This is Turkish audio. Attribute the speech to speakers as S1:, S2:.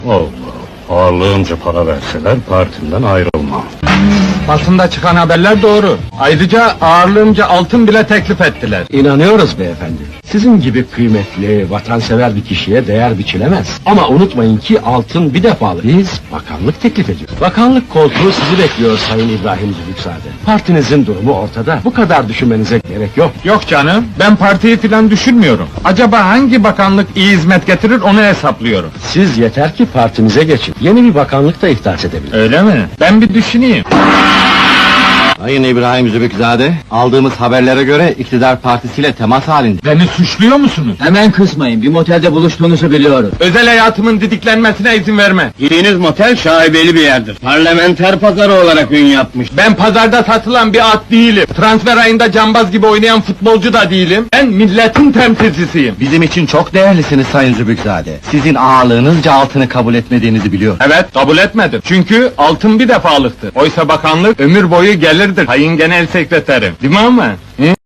S1: Allah, ağırlığınca para verseler partimden ayrılmam.
S2: Basında çıkan haberler doğru. Ayrıca ağırlığımca altın bile teklif ettiler.
S3: İnanıyoruz beyefendi. Sizin gibi kıymetli, vatansever bir kişiye değer biçilemez. Ama unutmayın ki altın bir defalık. Biz bakanlık teklif ediyoruz. Bakanlık koltuğu sizi bekliyor Sayın İbrahim Zülüksade. Partinizin durumu ortada. Bu kadar düşünmenize gerek yok.
S2: Yok canım, ben partiyi filan düşünmüyorum. Acaba hangi bakanlık iyi hizmet getirir onu hesaplıyorum.
S3: Siz yeter ki partimize geçin. Yeni bir bakanlık da ihdas edebilir.
S2: Öyle mi? Ben bir düşüneyim.
S4: Sayın İbrahim Zübükzade, aldığımız haberlere göre iktidar partisiyle temas halinde.
S2: Beni suçluyor musunuz?
S5: Hemen kızmayın, bir motelde buluştuğunuzu biliyoruz.
S2: Özel hayatımın didiklenmesine izin verme.
S4: Gittiğiniz motel şaibeli bir yerdir. Parlamenter pazarı olarak ün yapmış.
S2: Ben pazarda satılan bir at değilim. Transfer ayında cambaz gibi oynayan futbolcu da değilim. Ben milletin temsilcisiyim.
S4: Bizim için çok değerlisiniz Sayın Zübükzade. Sizin ağırlığınızca altını kabul etmediğinizi biliyor.
S2: Evet, kabul etmedim. Çünkü altın bir defalıktır. Oysa bakanlık ömür boyu gelirdir. Sayın Genel Sekreterim. Değil mi ama? Hı?